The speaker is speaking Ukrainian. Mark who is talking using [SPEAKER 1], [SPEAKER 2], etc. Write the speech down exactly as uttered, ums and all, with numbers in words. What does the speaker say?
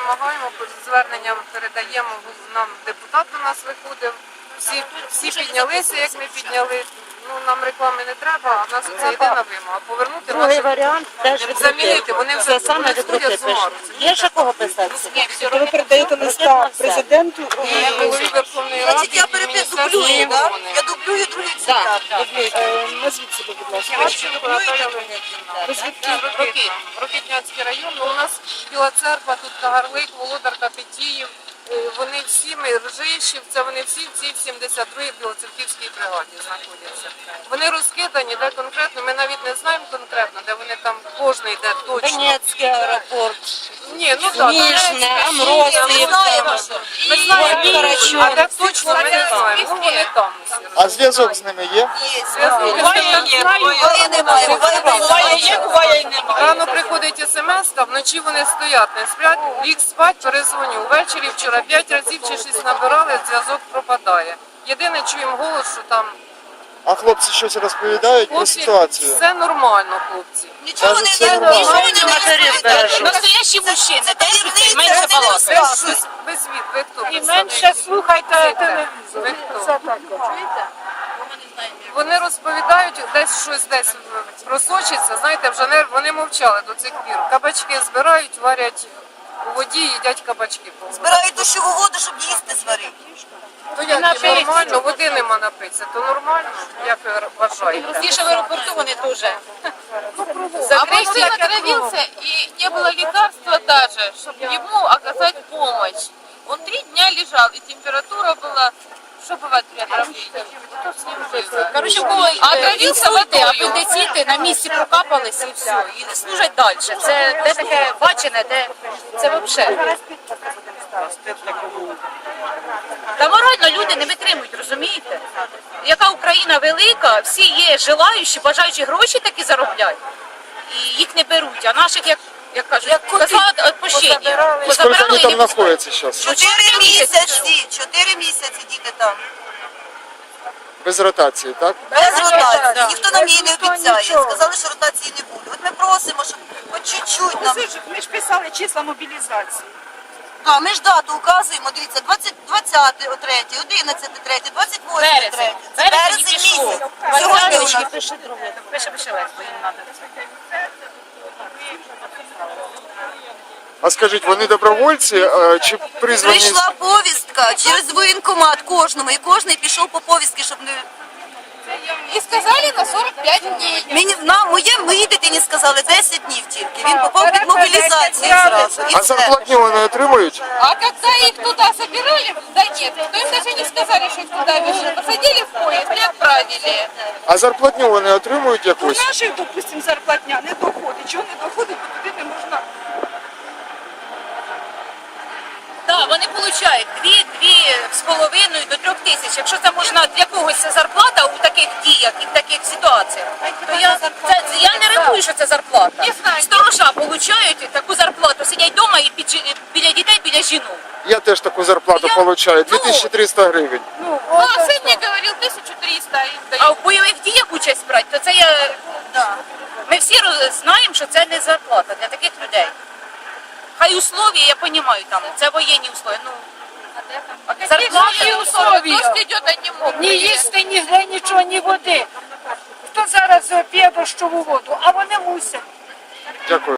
[SPEAKER 1] вимагаємо, зверненням передаємо, нам депутат до нас виходив, всі, всі піднялися, як ми підняли. Ну, нам реклами не треба, а в нас це єдина вимога. Повернути
[SPEAKER 2] Другий
[SPEAKER 1] наші,
[SPEAKER 2] варіант теж
[SPEAKER 1] замінити, вони вже
[SPEAKER 2] це саме
[SPEAKER 1] вони ходять з ума.
[SPEAKER 2] Є ще кого писати?
[SPEAKER 3] Ви передаєте листа президенту?
[SPEAKER 1] І голові Верховної Ради,
[SPEAKER 4] Значить, я
[SPEAKER 1] і
[SPEAKER 4] перепис
[SPEAKER 1] Міністерству
[SPEAKER 4] дублюю, да?
[SPEAKER 1] оборони.
[SPEAKER 4] Я дублюю другий цитат.
[SPEAKER 3] Е, Назвіть себе, будь ласка.
[SPEAKER 1] Харченко Наталя Леонідівна. Рокитна. Рокитнянський район. Ну, у нас Біла Церква, тут Кагарлик, Володарка, Петіїв. Е, Вони всі, ми Ржищів, це вони всі в цій сімдесят другій Білоцерківській бригаді знаходяться. Вони розкидані, де конкретно, ми навіть не знаємо конкретно, де вони там, кожний де точно.
[SPEAKER 2] Донецький аеропорт.
[SPEAKER 1] Ні, ну так.
[SPEAKER 2] Ніжне,
[SPEAKER 4] Ми
[SPEAKER 2] Амросів.
[SPEAKER 4] знаємо.
[SPEAKER 1] Ми знаємо,
[SPEAKER 2] Горбіч.
[SPEAKER 1] а де точно ми не знаємо. Ну, вони там усі.
[SPEAKER 5] А зв'язок з ними є?
[SPEAKER 4] Є. Буває немає, буває немає.
[SPEAKER 1] Рано приходить смс, та вночі вони стоять, не сплять, ліг спать, перезвоню. Увечері вчора п'ять разів чи шість набирали, зв'язок пропадає. Єдине, чуємо голос, що там
[SPEAKER 5] А хлопці щось розповідають про
[SPEAKER 1] хлопці,
[SPEAKER 5] ситуацію?
[SPEAKER 1] все нормально, хлопці.
[SPEAKER 4] Нічого
[SPEAKER 5] Кажуть,
[SPEAKER 4] не
[SPEAKER 5] це
[SPEAKER 4] не
[SPEAKER 5] нормально.
[SPEAKER 4] нічого вони не
[SPEAKER 2] Матерів
[SPEAKER 4] розповідають.
[SPEAKER 2] бережуть.
[SPEAKER 6] Настоящі мужчини,
[SPEAKER 4] Це таємниця,
[SPEAKER 6] менше
[SPEAKER 4] вони не
[SPEAKER 6] балакають.
[SPEAKER 1] Без,
[SPEAKER 4] розказують.
[SPEAKER 1] щось- без від, ви хто?
[SPEAKER 3] І
[SPEAKER 1] представник?
[SPEAKER 3] менше слухайте телевізор.
[SPEAKER 1] Ви хто?
[SPEAKER 3] Це так.
[SPEAKER 1] Вони розповідають, десь щось десь просочиться, знаєте, вже не, вони мовчали до цих пір. Кабачки збирають, варять у воді, їдять кабачки.
[SPEAKER 4] Збирають дощову воду, щоб їсти зварити.
[SPEAKER 1] То як, і нормально, води нема напитися, то нормально, як ви вважаєте?
[SPEAKER 6] Здесь в аэропорту они тоже. А
[SPEAKER 1] Закрыли
[SPEAKER 6] мой сын отравился, и не было лекарства даже, чтобы ему оказать помощь. Он три дня лежал, и температура была... Что бывает при отравлении? Что с ним было?
[SPEAKER 2] Коротше, в кого
[SPEAKER 6] А отравився водою.
[SPEAKER 2] апендиціти на місці прокапались і все. І не служать далі. Це де таке бачене, де це взагалі. Та морально люди не витримують, розумієте? Яка Україна велика, всі є желаючі, бажаючі гроші такі зароблять. І їх не беруть, а наших, як, як кажуть, коза відпущення.
[SPEAKER 5] Скільки вони
[SPEAKER 2] Позабирали і
[SPEAKER 5] там
[SPEAKER 2] не
[SPEAKER 5] знаходяться зараз?
[SPEAKER 4] Чотири місяці, чотири місяці діти там.
[SPEAKER 5] Без ротації, так?
[SPEAKER 4] Без ротації.
[SPEAKER 2] да.
[SPEAKER 4] Ніхто нам її не
[SPEAKER 3] Ніхто
[SPEAKER 4] обіцяє.
[SPEAKER 3] нічого.
[SPEAKER 4] Сказали, що ротації не буде. От ми просимо, щоб хоч чуть-чуть нам.
[SPEAKER 3] Ми ж писали числа мобілізації.
[SPEAKER 4] А, ми ж дату указуємо, дивіться, двадцять, двадцяте третє, одинадцяте третє, двадцять восьме
[SPEAKER 2] Березень.
[SPEAKER 4] третє. Це
[SPEAKER 2] Березень
[SPEAKER 4] березень
[SPEAKER 2] пішов.
[SPEAKER 4] місяць. Сьогодні у
[SPEAKER 2] Васильович,
[SPEAKER 4] нас.
[SPEAKER 2] пиши друге. Пиши, пиши легко, їм треба це.
[SPEAKER 5] А скажіть, вони добровольці е, чи призвані?
[SPEAKER 4] Прийшла повістка через воєнкомат кожному, і кожний пішов по повістки, щоб не...
[SPEAKER 6] И сказали на сорок пять дней.
[SPEAKER 4] Мені, нам, моє, моїй дитині сказали десять днів тільки. Він попав під мобілізацію зразу. І
[SPEAKER 5] А
[SPEAKER 4] все.
[SPEAKER 5] зарплатню вони отримують?
[SPEAKER 6] А когда их туда собирали, да нет, то им даже не сказали, что их туда везут. Посадили в поезд и отправили.
[SPEAKER 5] А зарплатню вони отримують
[SPEAKER 3] У
[SPEAKER 5] якусь?
[SPEAKER 3] наших, допустимо, зарплатня не доходить. Чого не доходить, бо туди не можна.
[SPEAKER 2] Так, вони отримують дві, дві з половиною до трьох тисяч. Якщо це можна для когось це зарплата у таких діях і в таких ситуаціях, то я, це, я не рахую, що це зарплата. Сторожа отримують таку зарплату, сидять вдома і під, жі- біля дітей, біля жінок.
[SPEAKER 5] Я теж таку зарплату
[SPEAKER 2] Я-
[SPEAKER 5] отримую, дві тисячі триста гривень.
[SPEAKER 3] Ну,
[SPEAKER 6] Ну, а сын мне говорил тысячу триста им
[SPEAKER 2] А
[SPEAKER 6] дают.
[SPEAKER 2] в бойових діях участь брати, то це я... Ми всі роз- знаємо, що це не зарплата для таких людей. Хай условия, я розумію, там, це воєнні условия. Ну,
[SPEAKER 6] Зарплаты условия. Дождь идет, они могут.
[SPEAKER 3] ні їсти, ні гри, нічого, ні води. Хто зараз п'є дощову воду, а вони мусять.
[SPEAKER 5] Дякую.